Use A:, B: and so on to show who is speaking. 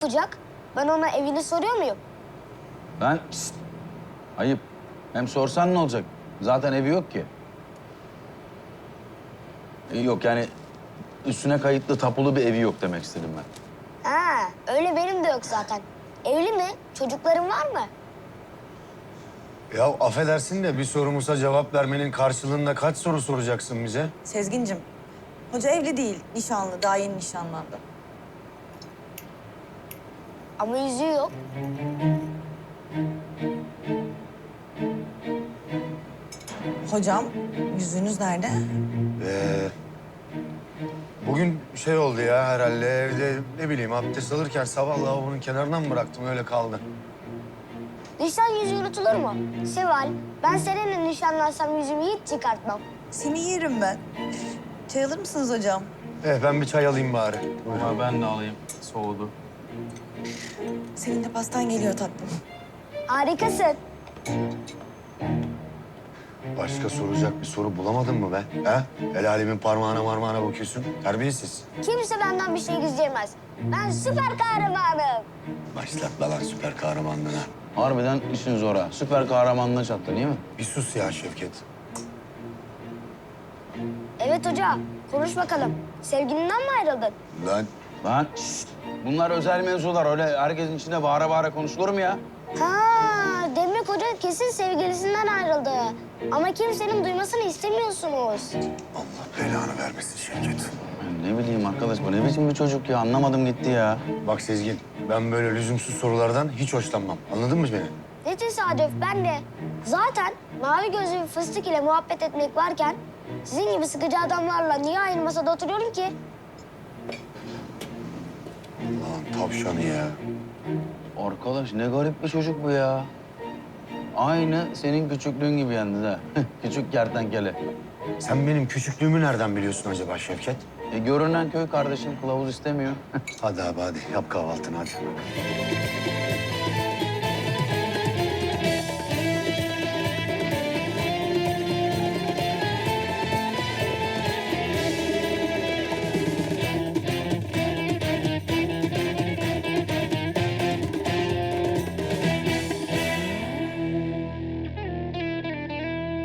A: yapacak? Ben ona evini soruyor muyum?
B: Ben... Şşt! Ayıp. Hem sorsan ne olacak? Zaten evi yok ki. Yok yani üstüne kayıtlı tapulu bir evi yok demek istedim ben.
A: Ha, öyle benim de yok zaten. Evli mi? Çocukların var mı?
C: Ya affedersin de bir sorumuza cevap vermenin karşılığında kaç soru soracaksın bize?
D: Sezgincim, hoca evli değil, nişanlı, daha yeni nişanlandı.
A: Ama yüzüğü yok.
D: Hocam, yüzüğünüz nerede?
C: Bugün şey oldu ya herhalde evde ne bileyim abdest alırken sabah lavabonun kenarından mı bıraktım öyle kaldı.
A: Nişan yüzüğü unutulur mu? Seval, ben seninle nişanlansam yüzümü hiç çıkartmam.
D: Seni yerim ben. Çay alır mısınız hocam?
C: Ben bir çay alayım bari. Buyurun.
B: Ama ben de alayım. Soğudu.
D: Senin de pastan geliyor tatlım.
A: Harikasın.
C: Başka soracak bir soru bulamadın mı be? Ha? El alemin parmağına marmağına bakıyorsun. Terbiyesiz.
A: Kimse benden bir şey gizleyemez. Ben süper kahramanım.
C: Başlatma lan süper kahramanlığına.
B: Harbiden işin zor ha. Süper kahramanlığa çattı değil mi?
C: Bir sus ya Şevket.
A: Evet hoca, konuş bakalım. Sevgilinden mi ayrıldın?
C: Lan
B: Lan şşt! Bunlar özel mevzular. Öyle herkesin içinde bağıra bağıra konuşulur mu ya?
A: Ha, demek hoca kesin sevgilisinden ayrıldı. Ama kimsenin duymasını istemiyorsunuz.
C: Allah belanı vermesin Şevket.
B: Ben ne bileyim arkadaş, bu ne biçim bir çocuk ya? Anlamadım gitti ya.
C: Bak Sezgin, ben böyle lüzumsuz sorulardan hiç hoşlanmam. Anladın mı beni?
A: Ne tesadüf, ben de. Zaten mavi gözlü bir fıstık ile muhabbet etmek varken... ...sizin gibi sıkıcı adamlarla niye aynı masada oturuyorum ki?
C: Lan tavşanı ya.
B: Arkadaş ne garip bir çocuk bu ya. Aynı senin küçüklüğün gibi yalnız ha. Küçük kertenkele.
C: Sen benim küçüklüğümü nereden biliyorsun acaba Şevket?
B: Görünen köy kardeşim kılavuz istemiyor.
C: Hadi abi hadi yap kahvaltını hadi.